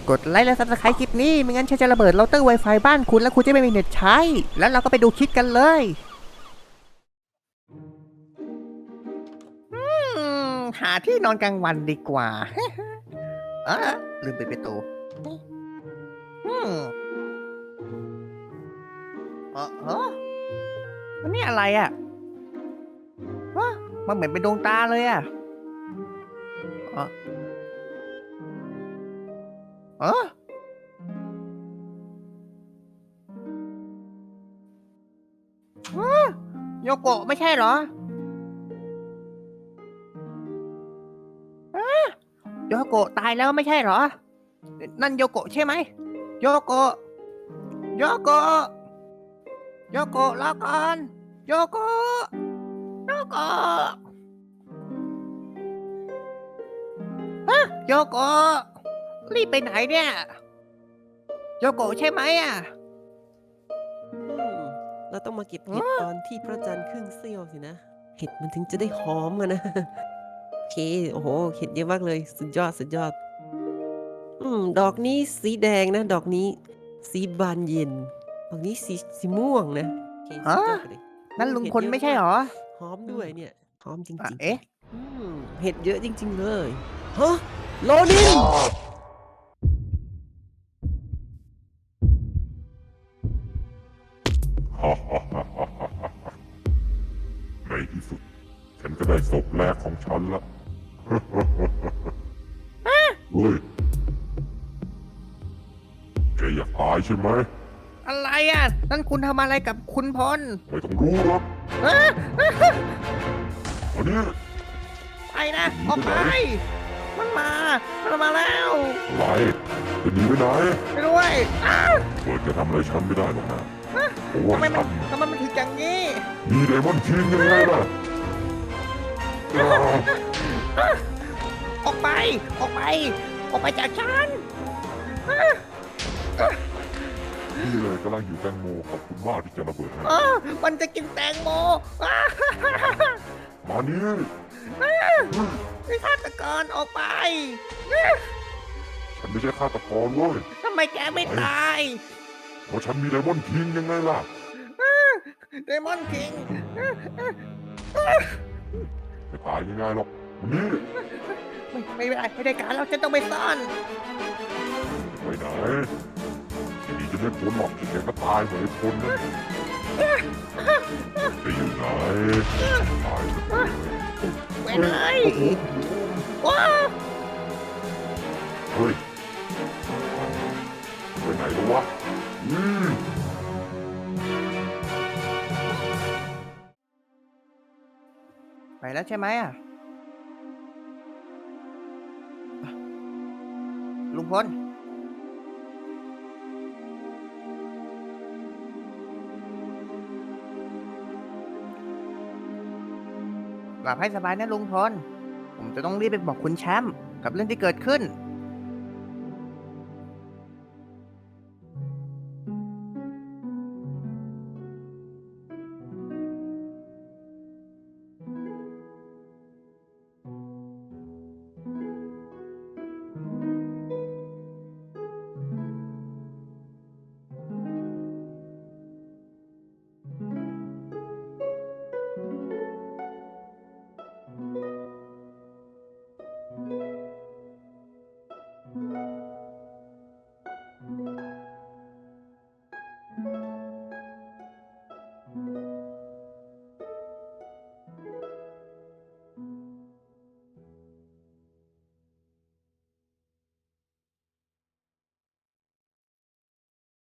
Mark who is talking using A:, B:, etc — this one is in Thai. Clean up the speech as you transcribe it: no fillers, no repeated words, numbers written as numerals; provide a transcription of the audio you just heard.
A: กดไลค์และซับสไครต์คลิปนี้ไม่งั้นฉันจะระเบิดเราเตอร์ Wi-Fi บ้านคุณแล้วคุณจะไม่มีเน็ตใช้แล้วเราก็ไปดูคลิปกันเลยหาที่นอนกลางวันดีกว่าลืมปิดประตูอืมมันนี่อะไรอ่ะมันเหมือนเป็นดวงตาเลยอ่ะเออเออโยโกะไม่ใช่เหรอโยโกะตายแล้วไม่ใช่เหรอนั่นโยโกะใช่ไหมโยโกะโยโกะโยโกะรอก่อนโยโกะโยโกะโยโกะรีบไปไหนเนี่ยโยโกะใช่ไหมอ่ะ
B: เราต้องมาเก็บเห็ดตอนที่พระจันทร์ครึ่งเสี้ยวสินะเห็ดมันถึงจะได้หอมอะนะโอเคโอ้โหเห็ดเยอะมากเลยสุดยอดสุดยอดดอกนี้สีแดงนะดอกนี้สีบานเย็นดอกนี้สีม่วงนะโอเคสุดยอดไปเลย
A: นั่นลุงพล
B: เห็ดเยอะ
A: ไม่ใช่เหร
B: มาก
A: อ
B: หอมด้วยเนี่ยหอมจริง
A: เอ๊ะ
B: ๆเห็ดเยอะจริงๆเลยฮะโลนิน
C: ฮ่าฮ่าฮ่าฮ่าฮ่าฮ่าในที่สุด ฉันก็ได้ศพแรกของฉันละเฮ้ยแกอยากตายใช่ไหม
A: อะไรอ่ะนั่นคุณทำอะไรกับคุณพล
C: ไม่ต้องรู้หรอกอันนี้
A: ไปนะออกไปมันมาแล้ว
C: อะไรจะหนีไปไหน
A: ไปด้วย
C: เปิดจะทำอะไรฉันไม่ได้หรอกนะเพราะว่า
A: ทำไมมั
C: ฉั
A: น
C: น
A: ทำไมมันถึงอย่างนี้
C: มีไดมอนด์คิงยังไงล่ะอ่า
A: ออกไปออกไปออกไปจากฉัน
C: นี่เลยกำลังอยู่แตงโมขอบคุณมากที่จะระเบิดให้
A: มันจะกินแตงโม
C: มานี่
A: ไอ้ฆาตกรออกไป
C: ฉันไม่ใช่ฆาตกรเว้ย
A: ทำไมแกไม่ตาย
C: เพราะฉันมีไดมอนด์คิงยังไงล่ะ
A: เดมอนคิง
C: ไม่ตายง่ายๆหรอกมานี่
A: ไม่ได้การแล้วฉันต้องไปซ่อน
C: ไปไหนทีนี้จะไม่พ้นหรอกแกก็ตายเหมือนไอ้คนนั่นไปอยู่ไหนตายไป
A: ไปเลยว้า
C: เฮ้ยไปไหนแล้ววะอืม
A: ไปแล้วใช่ไหมอ่ะลุงพลหลับให้สบายนะลุงพลผมจะต้องรีบไปบอกคุณแชมป์กับเรื่องที่เกิดขึ้น